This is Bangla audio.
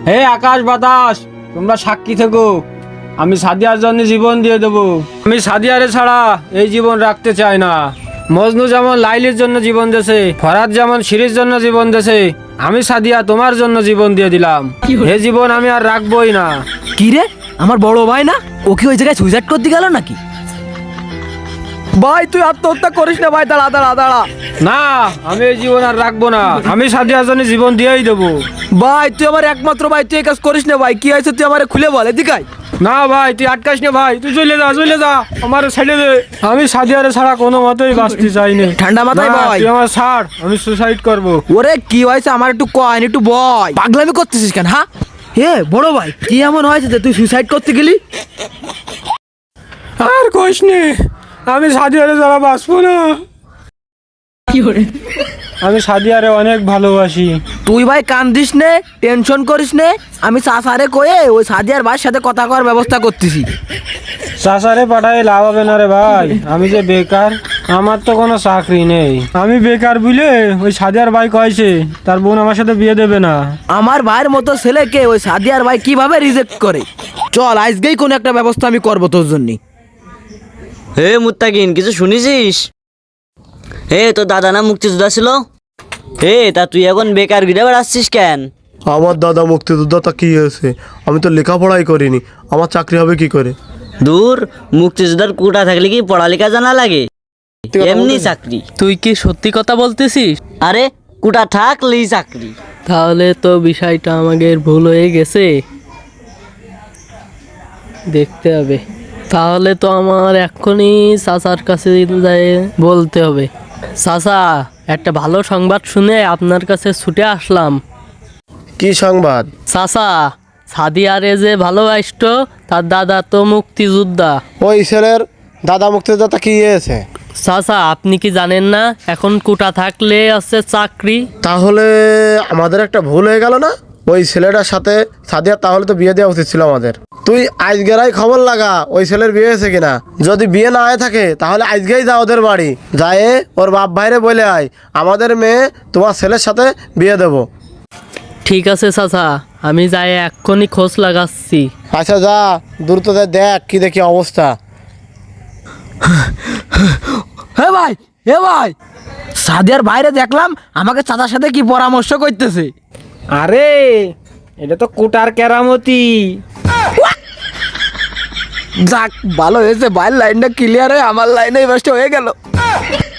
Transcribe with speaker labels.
Speaker 1: হে আকাশ বাতাস, তোমরা সাক্ষী থেকো, আমি সাদিয়ার জন্য জীবন দিয়ে দেবো। আমি সাদিয়ারে ছাড়া এই জীবন রাখতে চাই না। মজনু যেমন লাইলির জন্য জীবন দিয়েছে, ফরাদ যেমন শিরির জন্য জীবন দিয়েছে, আমি সাদিয়া তোমার জন্য জীবন দিয়ে দিলাম। এই জীবন আমি আর রাখবোই না।
Speaker 2: কি রে, আমার বড় ভাই না? ও কি ওই জায়গায় সুইসাইড করতে গেল নাকি? ভাই তুই আত্মহত্যা করিস না ভাই, দাঁড়া দাঁড়া দাঁড়া।
Speaker 1: না, আমি এই জীবন আর রাখবো না। আমি সাদিয়ার জন্য জীবন দিয়েই দেবো।
Speaker 2: ভাই তুই আমার একমাত্র ভাই, তুই এই কাজ করিস না ভাই। কি হয়েছে তুই আমারে খুলে বল, এদিকে আয়।
Speaker 1: না ভাই, তুই আটকাস না ভাই, তুই চলে যা, চলে যা, আমার ছেড়ে দে। আমি সাদিয়ারে ছাড়া কোনো মতেই বাঁচতে চাই না।
Speaker 2: ঠান্ডা মাথায়
Speaker 1: না,
Speaker 2: ভাই।
Speaker 1: তুই আমার ছাড়, আমি সুসাইড করবো।
Speaker 2: ওরে কি হয়েছে আমার একটু কয়, একটু বয়। পাগলামি করতেছিস কেন? হ্যাঁ হে বড় ভাই, কি এমন হয়েছে যে তুই সুইসাইড করতে গেলি?
Speaker 1: আর কইস নে, আমি সাদিয়ারে ছাড়া বাঁচবো না। আমি সাদিয়ারে অনেক ভালোবাসি।
Speaker 2: তুই ভাই কান্দিস নে, টেনশন করিস নে। আমি চাচারে কয়ে ওই সাদিয়ার ভাইয়ের সাথে কথা করার ব্যবস্থা করতেছি।
Speaker 1: চাচারে পাঠায় লাভ হবে না রে ভাই, আমি যে বেকার, আমার তো কোনো চাকরি নেই। আমি বেকার বুঝলে ওই সাদিয়ার ভাই কয়েছে তার বোন আমার সাথে বিয়ে দেবে না।
Speaker 2: আমার ভাইয়ের মতো ছেলেকে ওই সাদিয়ার ভাই কিভাবে রিজেক্ট করে? চল আজকেই কোনো একটা ব্যবস্থা আমি করবো তোর জন্য।
Speaker 3: হে মুত্তাকিন, কিছু শুনেছিস? হে তোর দাদা না মুক্তিযোদ্ধা ছিল? হে তা তুই এখন বেকার ঘুরে বেড়াচ্ছিস কেন?
Speaker 4: আমার দাদা মুক্তিযোদ্ধা, তা কি হয়েছে? আমি তো লেখাপড়াই করিনি, আমার চাকরি হবে কি করে?
Speaker 3: দূর, মুক্তিযোদ্ধার কোটা থাকলে কি পড়ালেখা জানা লাগে? এমনি চাকরি।
Speaker 5: তুই কি সত্যি কথা বলতেছিস?
Speaker 3: আরে কোটা থাকলেই চাকরি।
Speaker 5: তাহলে তো বিষয়টা আমাদের ভুল হয়ে গেছে, দেখতে হবে। তাহলে তো আমার এক্ষুনি চাচার কাছে যাই বলতে হবে। চাচা, একটা ভালো সংবাদ শুনে আপনার কাছে ছুটে আসলাম।
Speaker 4: কি সংবাদ?
Speaker 5: চাচা, সাদিয়ারে যে ভালোবাসত তার দাদা তো মুক্তিযোদ্ধা।
Speaker 4: ওই ছেলের দাদা মুক্তিযোদ্ধা, তা কি হয়েছে?
Speaker 5: চাচা, আপনি কি জানেন না এখন কোটা থাকলে আছে চাকরি?
Speaker 4: তাহলে আমাদের একটা ভুল হয়ে গেল না? ওই ছেলেটার সাথে সাদিয়া তাহলে তো বিয়ে দেওয়া উচিত ছিল আমাদের। তুই আজকেরাই খবর লাগা ওই ছেলের বিয়ে হয়েছে কিনা। যদি বিয়ে না হয়ে থাকে তাহলে আজকেই যা ওদের বাড়ি, যায় ওর বাপ ভাইরে বলে আয় আমাদের মেয়ে তোমার ছেলের সাথে বিয়ে দেবো।
Speaker 5: ঠিক আছে চাচা, আমি যাই এক্ষুনি খোঁজ লাগাচ্ছি।
Speaker 4: আচ্ছা যা, দ্রুত যা, দেখ কি দেখি অবস্থা।
Speaker 2: হে ভাই, হে ভাই, সাদিয়ার বাইরে দেখলাম আমাকে চাচার সাথে কি পরামর্শ করতেছে।
Speaker 1: আরে এটা তো কোটার কেরামতি।
Speaker 2: যাক ভালো হয়েছে, বাইরের লাইনটা ক্লিয়ার হয়ে আমার লাইনে বেস্ট হয়ে গেল।